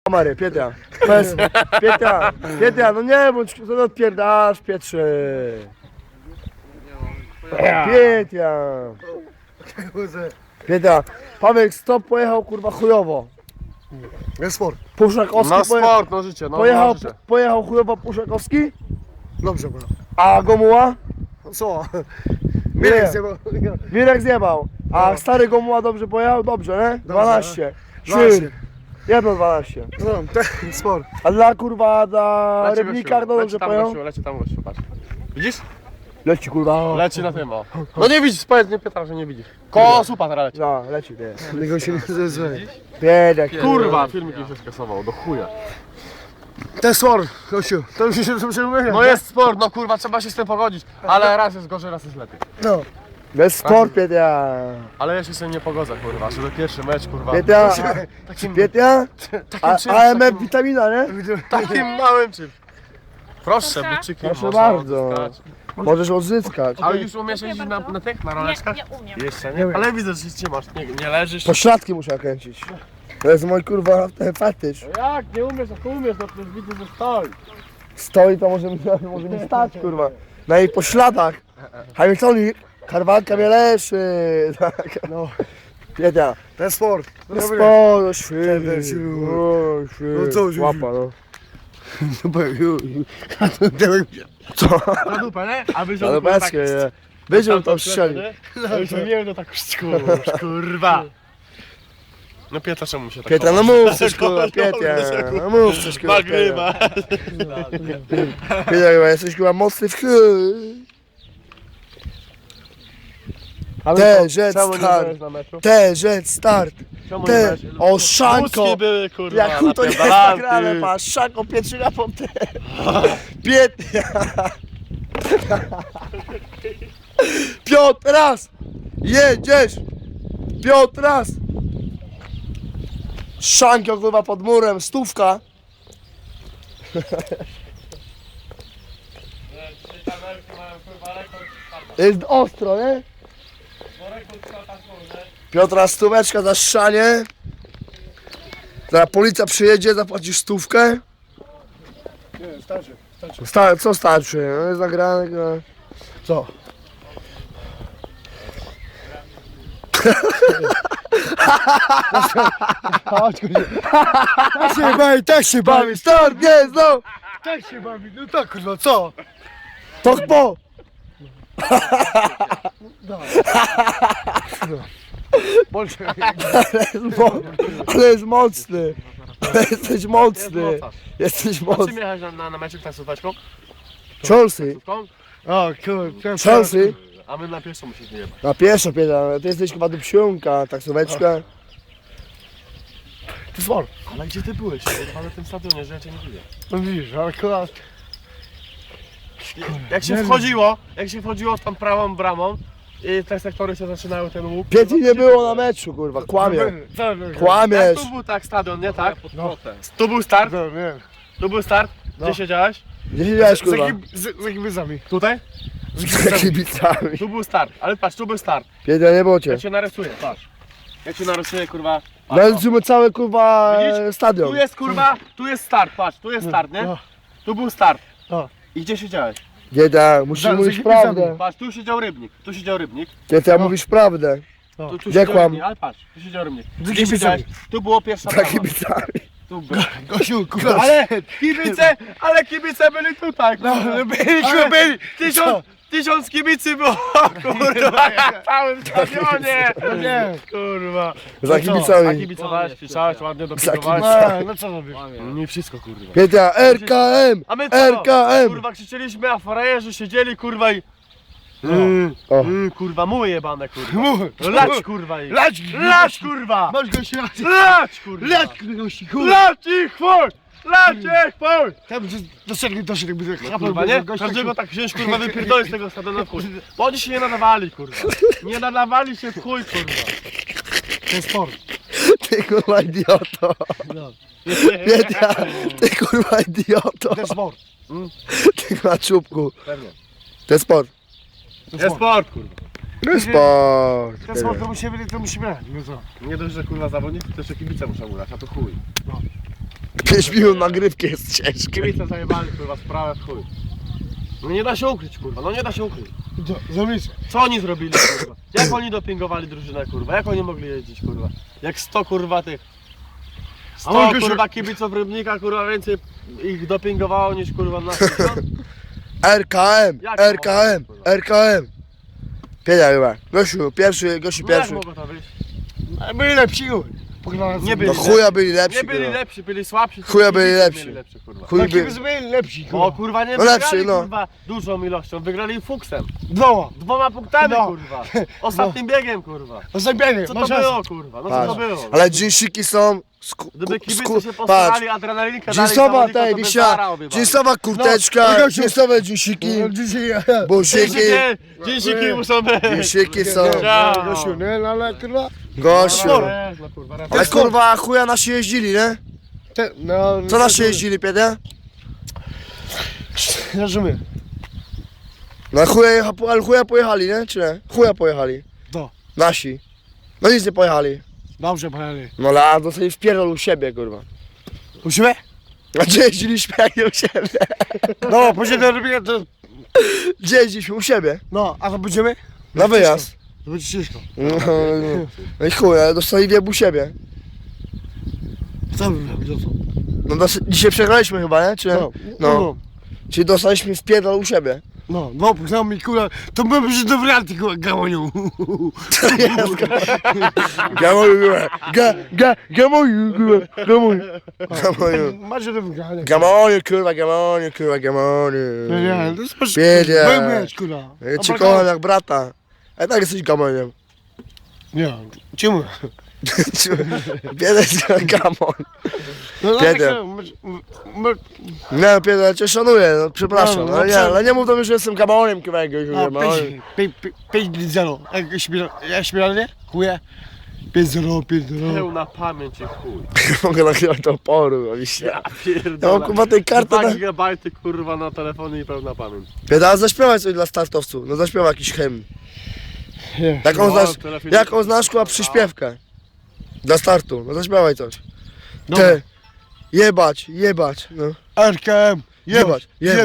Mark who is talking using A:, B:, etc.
A: Mary, Pietia. Pietia, no nie bądź, co to odpierdasz, Pietrze. Pietia, Paweł stop pojechał kurwa chujowo.
B: Jest sport.
A: Puszakowski
C: No sport, no życie, no życie.
A: pojechał chujowo Puszakowski,
B: Dobrze było.
A: a Gomuła?
B: Co?
A: Nie.
B: Zjebał.
A: Wirek zjebał. A stary Gomuła dobrze pojechał? Dobrze, nie? 12.
B: 12.
A: Trzy. Jedno 12.
B: No, ten sport.
A: A dla kurwa, dla
C: Leci
A: Rybnika
C: gościu,
A: no dobrze pojechał?
C: leci tam gościu, patrz. Widzisz?
A: Leci kurwa.
C: Leci na tym, o. No nie widzisz, powiedz, nie pytam, że nie widzisz. Koło słupa teraz leci.
A: No, leci, nie.
B: Tego się nie zezwoli.
A: Biedek.
C: Kurwa, filmik już się skasował, do chuja.
B: Ten sport, Kościu. To już się mówię.
C: No jest sport, no kurwa, trzeba się z tym pogodzić. Ale raz jest gorzej, raz jest lepiej.
B: No.
A: Bez sport, Pietia.
C: Ale ja się z tym nie pogodzę, kurwa, że to pierwszy mecz, kurwa.
A: Pietia.
C: Takim,
A: Pietia?
C: takim czymś,
A: AMF witamina, nie?
C: takim małym czymś. Proszę, buczyki.
A: Proszę
C: można
A: bardzo.
C: odzyskać.
A: Możesz odzyskać.
C: A już umiesz jeździć na tych, na roleczkach?
D: Nie umiem.
C: Jeszcze nie? Ale widzę, że się trzymasz, nie leżysz.
A: Pośladki muszę kręcić. To jest mój kurwa ten fetysz.
C: Jak? Nie umiesz, jak umiesz, no przecież widzę, że stoi.
A: Stoi to może nie stać kurwa. Na jej pośladach. Hamiltonik, Karwanka mnie leszy. Tak.
B: No.
A: Pietia.
B: Ten sport.
A: Sporo, świetnie.
B: No co już?
A: Łapa, no.
C: Na dupę, nie? A wyziął
A: Ale bezkie, nie. Wyziął to strzelił.
C: Ja już wiem, no tak kurwa. No Pietra, czemu się tak
A: Pietra, no
C: chowasz?
A: mów coś kurwa, Pietia. No mów coś kurwa.
C: Nagrywa.
A: Pietia, chyba jesteś chyba mocny w chuj. T-Jet start. T-Jet start. Te, o Szanko.
C: Łuski były, kurwa,
A: Jak to jest
C: napierdalaty.
A: nagrane, patrz, Szanko, Pietrzyna po te. Pietia. Piotr, raz. Jedziesz. Piotr, raz. Szanko, kurwa, pod murem, stówka. Jest ostro, nie? Piotra, stóweczka za szanie. Zaraz policja przyjedzie, zapłacisz stówkę.
B: Nie, starczy.
A: Co starczy? No jest nagrane. No.
B: Co? Chodź, kurwa. Tak się bawi, tak się bawi.
A: Bawi, start, nie, no!
B: Tak się bawi. No tak, kurwa, co?
A: To po! Ale jest mocny. Ale jesteś mocny. Jesteś
C: A
A: mocny.
C: czym jechałeś na meczu taksóweczką?
A: Chelsea.
B: O, kurwa.
A: Chelsea.
C: A my na pierwszą musimy jechać.
A: Na pierwsza pieda. Ty jesteś chyba do psiunka, taksóweczka.
B: To sport.
C: Ale gdzie ty byłeś? Kurwa, na tym stadionie, że ja cię nie widzę.
B: No widzisz, ale kurwa.
C: Jak się wchodziło tam prawą bramą i te sektory się zaczynały ten łuk.
A: Pieci nie było na meczu, kurwa, kłamie. Kłamiesz.
C: Tu był tak stadion, nie tak?
B: No.
C: Tu był start,
B: No, nie.
C: tu był start. Gdzie
B: No.
C: siedziałeś?
A: Gdzie siedziałeś, kurwa?
B: Z kibicami.
C: Tutaj?
A: Z kibicami.
C: Tu był start, ale patrz, tu był start.
A: Pietia, nie było cię.
C: Ja cię narysuję, patrz. Ja cię narysuję, kurwa. Patrz, o.
A: Naliczymy cały, kurwa,
C: Widzisz?
A: stadion.
C: Tu jest, kurwa, tu jest start, patrz, tu jest start, nie?
B: No.
C: Tu był start.
B: No.
C: I gdzie siedziałeś?
A: Pietia, musisz mówić
B: kibicami.
A: prawdę.
C: Patrz, tu siedział Rybnik, tu siedział Rybnik.
A: Pietia, mówisz prawdę.
C: Tu
A: Gdzie
C: siedział
A: kłam?
C: Rybnik, ale patrz, tu siedział Rybnik.
B: Z
C: Gdzie
B: kibicami.
C: siedziałeś? Tu było pierwsza
A: Za
C: brama.
A: kibicami.
C: Tu było.
B: Gościu, kurwa.
C: Ale kibice byli tutaj.
B: No, byli.
C: Tysiąc kibicy było, kurwa, na całym stadionie.
B: No nie.
C: Kurwa.
A: Za
C: A
A: kibicami.
C: kibicowałeś, pisałeś, ładnie
A: Za
C: dopingowałeś.
B: No co robisz?
C: Nie wszystko, kurwa.
A: Pietia, RKM!
C: A my co?
A: RKM!
C: Kurwa, krzyczeliśmy, a frajerzy siedzieli, kurwa i...
A: O.
C: Kurwa, muły jebane, kurwa.
B: Muły.
C: No lać, kurwa i...
B: Lać,
C: Lać, kurwa!
B: Masz gości lać.
C: Lać, kurwa!
B: Lać, gości, kurwa.
C: Lać ich, chuj! Lać ich, chuj!
B: Tam doszedł jakby tak
C: Kurwa, nie? Każdego tak wziąć, kurwa, wypierdolić z tego stadionu w chuj. Bo oni się nie nadawali, kurwa. Nie nadawali się w chuj, kurwa.
B: Ten sport.
A: Ty kurwa idioto.
B: No.
A: Pietia, ty kurwa idioto.
B: Ten sport.
A: Ty kurwa czubku.
C: Pewnie.
A: To jest sport.
C: Jest sport, kurwa.
A: To jest sport.
B: Ten sport to musimy grać. No co?
C: Nie dość, że kurwa zawodnicy, to jeszcze kibice muszą grać, a to chuj.
A: 5 minut nagrywki jest ciężkie.
C: Kibice zajebali kurwa sprawę w chuj. No nie da się ukryć kurwa, no nie da się ukryć.
B: Zamyśl.
C: Co oni zrobili kurwa? Jak oni dopingowali drużynę kurwa? Jak oni mogli jeździć kurwa? Jak 100 kurwa tych... 100 kurwa kibiców Rybnika kurwa więcej ich dopingowało niż kurwa nas.
A: RKM,
C: Jak
A: RKM,
C: to mogło,
A: RKM. Pienia chyba. Gościu pierwszy.
C: No jak mogło to być?
B: Byli lepsi, pograłem.
C: Nie byli
A: No chuja byli lepsi,
C: Nie byli
A: kurwa.
C: lepsi, byli słabsi.
A: Chuja
C: tylko
A: byli
C: kibice
A: lepsi.
C: mieli lepsze, kurwa.
A: Chuj
B: Taki
A: by...
B: byli lepsi,
C: O kurwa nie
A: No
C: wygrali
A: lepszy, no.
C: kurwa dużą ilością, wygrali fuksem.
B: Dwoła.
C: 2 punktami
B: No.
C: kurwa. Ostatnim biegiem kurwa.
B: O zabiegnie,
C: Co to było kurwa? No co to
A: Patrz.
C: było?
A: Ale dżinsiki są...
C: Gdyby kibice się
A: patrz.
C: postarali, adrenalinkę dali
A: Dżinsowa,
C: zawodnikom,
A: tej,
C: to by
A: wisia,
C: zara obiewali.
A: dżinsowa kurteczka,
B: No,
A: dżinsowe dżinsiki,
B: Dzisiaj
A: busiki,
C: Dzięki muszą być.
A: dżinsiki są.
C: Ciao.
B: Gościu, nie, no ale kurwa.
A: Gościu.
C: No kurwa,
A: Ale kurwa chuja nasi jeździli, nie?
B: No,
A: Co nasi jeździli, Piedia?
B: Rozumiem.
A: No ale chuja pojechali, nie? Czy nie? Chuja pojechali.
B: To.
A: Nasi. No nic nie pojechali.
B: Dobrze, pojechali.
A: No ale dostali wpierdol u siebie, kurwa.
B: U siebie?
A: A gdzie jeździliśmy jak nie u siebie?
B: No, później do robienia to...
A: Gdzie jeździliśmy? U siebie.
B: No, a to będziemy?
A: Na wyjazd.
B: To będzie ciężko.
A: No i chuj, ale dostali wieb u siebie.
B: Co by robić, to?
A: No dzisiaj przegraliśmy chyba, nie? Czy nie? No. Czyli dostaliśmy wpierdol u siebie.
B: No, no, poznał mi kurwa, to byłby się do warianty kurwa, gałonią.
A: Gamoju, gamoju, kurwa, gamoju.
B: Macie do wygrania.
A: Gamoju, kurwa, gamoju, kurwa, gamoju.
B: No nie, to jest masz...
A: Wiedzie.
B: Byłbyś, kurwa.
A: Ja cię kocham jak brata. A tak jesteś gamoniem.
B: Nie, czemu?
A: Biedę jest gamon.
B: No,
A: Biedę. Nie, Piedro, ja cię szanuję, no przepraszam.
B: No,
A: Ale
B: no,
A: nie mów do mnie, że jestem gamoniem, kurwa, jakiegoś.
B: A, 5-0. Jak śmieralnie? Chuje? 5-0, 5-0.
C: Peł na pamięć i chuj.
A: Mogę nagrywać do oporu, oczywiście.
C: Ja
A: Ja
C: pierdolę.
A: mam kurwa tej karty
C: 2
A: na...
C: gigabajty kurwa na telefonie i pełna pamięć.
A: Piedro, zaśpiewaj coś dla startowców. No zaśpiewaj jakiś hymn. Jaką znasz, jaką znasz kurwa przyśpiewkę? Dla startu, no zaśpiewaj coś. Te, jebać, no.
B: RKM,
A: Jebać, jebać.